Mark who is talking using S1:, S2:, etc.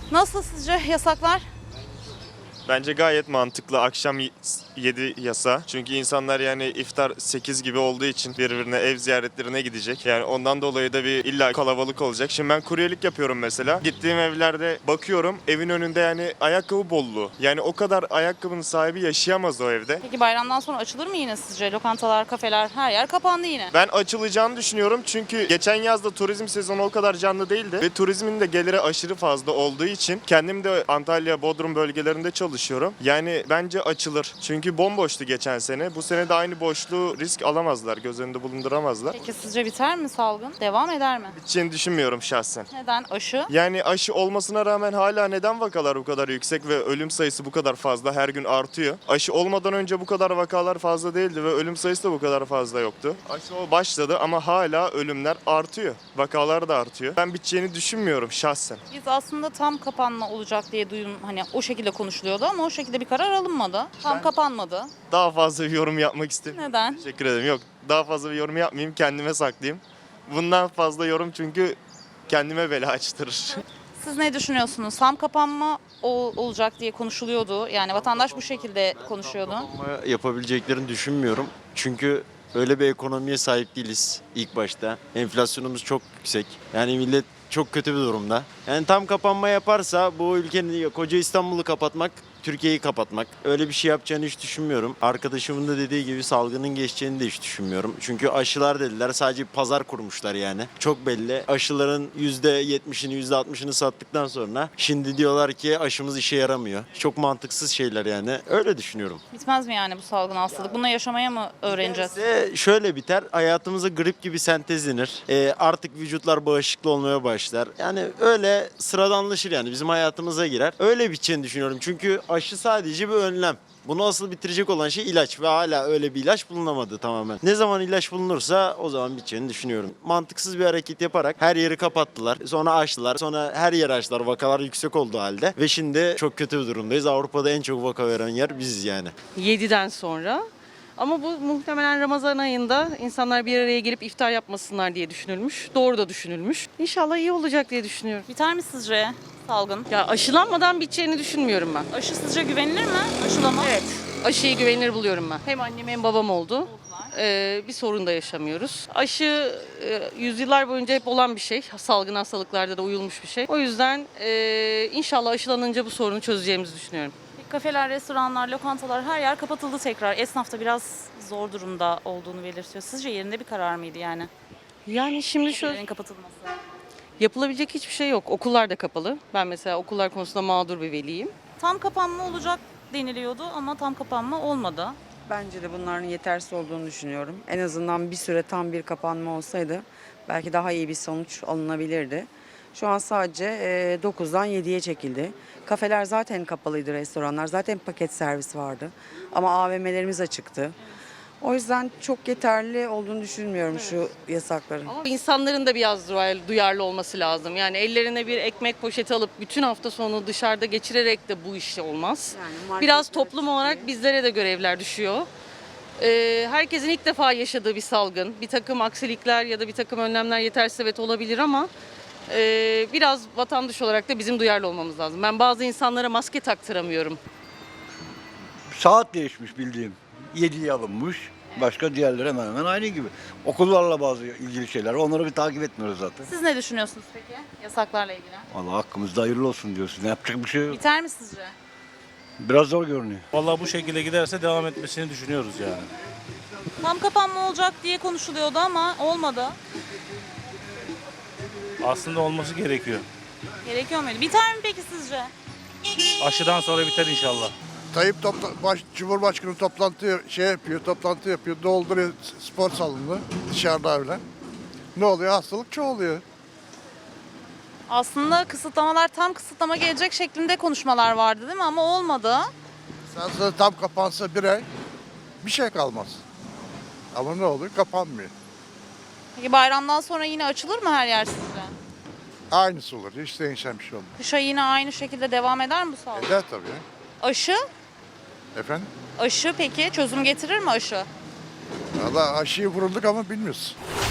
S1: Nasıl sizce yasaklar?
S2: Bence gayet mantıklı akşam 7 yasa. Çünkü insanlar yani iftar 8 gibi olduğu için birbirine ev ziyaretlerine gidecek. Yani ondan dolayı da bir illa kalabalık olacak. Şimdi ben kuryelik yapıyorum mesela. Gittiğim evlerde bakıyorum evin önünde yani ayakkabı bolluğu. Yani o kadar ayakkabının sahibi yaşayamaz o evde.
S1: Peki bayramdan sonra açılır mı yine sizce? Lokantalar, kafeler, her yer kapandı yine.
S2: Ben açılacağını düşünüyorum çünkü geçen yazda turizm sezonu o kadar canlı değildi ve turizmin de geliri aşırı fazla olduğu için kendim de Antalya, Bodrum bölgelerinde çalışıyorum. Yani bence açılır. Çünkü bomboştu geçen sene. Bu sene de aynı boşluğu risk alamazlar, göz önünde bulunduramazlar.
S1: Peki sizce biter mi salgın? Devam eder mi?
S2: Biteceğini düşünmüyorum şahsen.
S1: Neden? Aşı?
S2: Yani aşı olmasına rağmen hala neden vakalar bu kadar yüksek ve ölüm sayısı bu kadar fazla, her gün artıyor? Aşı olmadan önce bu kadar vakalar fazla değildi ve ölüm sayısı da bu kadar fazla yoktu. Aşı başladı ama hala ölümler artıyor. Vakalar da artıyor. Ben biteceğini düşünmüyorum şahsen.
S1: Biz aslında tam kapanma olacak diye hani o şekilde konuşuluyordu ama o şekilde bir karar alınmadı. Tam kapanmadı.
S2: Daha fazla bir yorum yapmak istemiyorum.
S1: Neden?
S2: Teşekkür ederim. Yok, daha fazla bir yorum yapmayayım, kendime saklayayım. Bundan fazla yorum çünkü kendime bela açtırır.
S1: Siz ne düşünüyorsunuz? Tam kapanma olacak diye konuşuluyordu. Yani vatandaş bu şekilde konuşuyordu.
S3: Ama yapabileceklerini düşünmüyorum. Çünkü öyle bir ekonomiye sahip değiliz ilk başta. Enflasyonumuz çok yüksek. Yani millet çok kötü bir durumda. Yani tam kapanma yaparsa bu ülkenin koca İstanbul'u kapatmak, Türkiye'yi kapatmak. Öyle bir şey yapacağını hiç düşünmüyorum. Arkadaşımın da dediği gibi salgının geçeceğini de hiç düşünmüyorum. Çünkü aşılar dediler, sadece bir pazar kurmuşlar yani. Çok belli. Aşıların %70'ini %60'ını sattıktan sonra şimdi diyorlar ki aşımız işe yaramıyor. Çok mantıksız şeyler yani. Öyle düşünüyorum.
S1: Bitmez mi yani bu salgın hastalık? Bununla yaşamaya mı öğreneceğiz?
S3: Şöyle biter, hayatımıza grip gibi sentezlenir. Artık vücutlar bağışıklı olmaya başlar. Yani öyle sıradanlaşır yani bizim hayatımıza girer. Öyle biteceğini düşünüyorum çünkü aşı sadece bir önlem. Bunu asıl bitirecek olan şey ilaç ve hala öyle bir ilaç bulunamadı tamamen. Ne zaman ilaç bulunursa o zaman biteceğini düşünüyorum. Mantıksız bir hareket yaparak her yeri kapattılar. Sonra açtılar. Sonra her yeri açtılar. Vakalar yüksek olduğu halde. Ve şimdi çok kötü bir durumdayız. Avrupa'da en çok vaka veren yer biziz yani.
S4: 7'den sonra. Ama bu muhtemelen Ramazan ayında insanlar bir araya gelip iftar yapmasınlar diye düşünülmüş. Doğru da düşünülmüş. İnşallah iyi olacak diye düşünüyorum.
S1: Biter mi sizce salgın?
S4: Ya aşılanmadan biteceğini düşünmüyorum ben.
S1: Aşı sizce güvenilir mi? Aşılama?
S4: Evet. Aşıyı güvenilir buluyorum ben. Hem annem hem babam oldu. Bir sorun da yaşamıyoruz. Aşı yüzyıllar boyunca hep olan bir şey. Salgın hastalıklarda da uyulmuş bir şey. O yüzden inşallah aşılanınca bu sorunu çözeceğimizi düşünüyorum.
S1: Kafeler, restoranlar, lokantalar her yer kapatıldı tekrar. Esnaf da biraz zor durumda olduğunu belirtiyor. Sizce yerinde bir karar mıydı yani?
S4: Yani şimdi
S1: Kafelerin kapatılması.
S4: yapılabilecek hiçbir şey yok. Okullar da kapalı. Ben mesela okullar konusunda mağdur bir veliyim.
S1: Tam kapanma olacak deniliyordu ama tam kapanma olmadı.
S5: Bence de bunların yetersiz olduğunu düşünüyorum. En azından bir süre tam bir kapanma olsaydı belki daha iyi bir sonuç alınabilirdi. Şu an sadece 9'dan 7'ye çekildi. Kafeler zaten kapalıydı, restoranlar zaten paket servis vardı. Ama AVM'lerimiz açıktı. O yüzden çok yeterli olduğunu düşünmüyorum şu yasakların.
S4: Ama insanların da biraz duyarlı olması lazım. Yani ellerine bir ekmek poşeti alıp bütün hafta sonu dışarıda geçirerek de bu iş olmaz.
S5: Yani
S4: Biraz toplum olarak bizlere de görevler düşüyor. Herkesin ilk defa yaşadığı bir salgın. Bir takım aksilikler ya da bir takım önlemler yetersiz evet olabilir ama biraz vatandaş olarak da bizim duyarlı olmamız lazım. Ben bazı insanlara maske taktıramıyorum.
S6: Saat değişmiş bildiğim. 7'ye alınmış. Başka diğerleri hemen hemen aynı gibi. Okullarla bazı ilgili şeyler. Onları bir takip etmiyoruz zaten.
S1: Siz ne düşünüyorsunuz peki yasaklarla ilgili?
S6: Vallahi hakkımızda hayırlı olsun diyorsun. Yapacak bir şey yok.
S1: Biter mi sizce?
S6: Biraz zor görünüyor.
S7: Vallahi bu şekilde giderse devam etmesini düşünüyoruz yani.
S1: Tam kapanma olacak diye konuşuluyordu ama olmadı.
S7: Aslında olması gerekiyor.
S1: Gerekiyor muydu? Biter mi peki sizce?
S7: Aşıdan sonra biter inşallah.
S8: Tayyip Cumhurbaşkanı toplantı yapıyor, dolduruyor spor salonunu dışarıda öyle. Ne oluyor? Hastalık çoğalıyor.
S1: Aslında kısıtlamalar tam kısıtlama gelecek şeklinde konuşmalar vardı değil mi? Ama olmadı.
S8: Sen tam kapansa bir ay bir şey kalmaz. Ama ne oluyor? Kapanmıyor.
S1: Peki bayramdan sonra yine açılır mı her yer sizce?
S8: Aynısı olur. Hiç değişen bir şey olmaz.
S1: Kışa yine aynı şekilde devam eder mi bu salgın?
S8: Eder tabii.
S1: Aşı?
S8: Efendim?
S1: Aşı peki çözüm getirir mi aşı?
S8: Valla aşıyı vurulduk ama bilmiyoruz.